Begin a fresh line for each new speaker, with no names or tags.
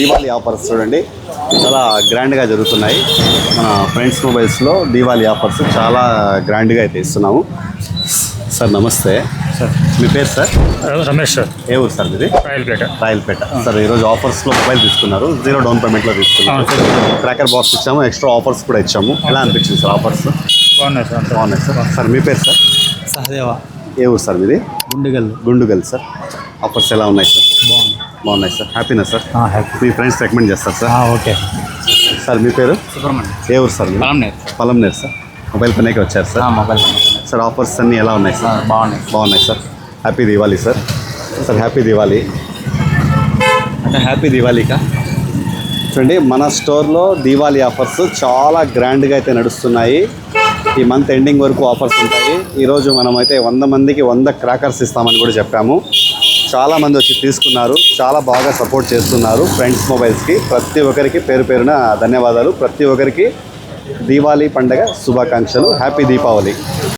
Diwali offers చూడండి చాలా గ్రాండ్గా జరుగుతున్నాయి. మన ఫ్రెండ్స్ మొబైల్స్లో దీవాళీ ఆఫర్స్ చాలా గ్రాండ్గా అయితే ఇస్తున్నాము. సార్ నమస్తే సార్, మీ పేరు సార్?
రమేష్ సార్.
ఏ ఊరు సార్ మీది? రాయలపేట సార్. ఈరోజు ఆఫర్స్లో మొబైల్ తీసుకున్నారు, 0 డౌన్ పేమెంట్లో తీసుకున్నారు. క్రాకర్ బాక్స్ ఇచ్చాము, ఎక్స్ట్రా ఆఫర్స్ కూడా ఇచ్చాము. ఎలా అనిపించింది సార్ ఆఫర్స్?
బాగున్నాయి
సార్. సార్ మీ పేరు సార్?
సహదేవ.
ఏ ఊరు సార్ మీది? గుండుగల్ సార్. ఆఫర్స్ ఎలా ఉన్నాయి సార్? బాగున్నాయి సార్. హ్యాపీనా సార్?
హ్యాపీ.
మీ ఫ్రెండ్స్ రికమెండ్ చేస్తారు సార్?
ఓకే
సార్ మీ పేరు?
సుబ్రహ్మణ్యం.
ఏ ఊరు సార్? పలంనేరు సార్. మొబైల్ పనికి వచ్చారు సార్?
మొబైల్
సార్ ఆఫర్స్ అన్నీ ఎలా ఉన్నాయి సార్? బాగున్నాయి sir. Happy Diwali sir. Sir happy Diwali. అంటే హ్యాపీ దివాళీకా చూడండి, మన స్టోర్లో దీవాళీ ఆఫర్స్ చాలా గ్రాండ్గా అయితే నడుస్తున్నాయి. ఈ మంత్ ఎండింగ్ వరకు ఆఫర్స్ ఉంటాయి. ఈరోజు మనమైతే 100 మందికి 100 క్రాకర్స్ ఇస్తామని కూడా చెప్పాము. చాలామంది వచ్చి తీసుకున్నారు, చాలా బాగా సపోర్ట్ చేస్తున్నారు ఫ్రెండ్స్ మొబైల్స్కి. ప్రతి ఒక్కరికి పేరు పేరున ధన్యవాదాలు. ప్రతి ఒక్కరికి దీవాళీ పండగ శుభాకాంక్షలు. హ్యాపీ దీపావళి.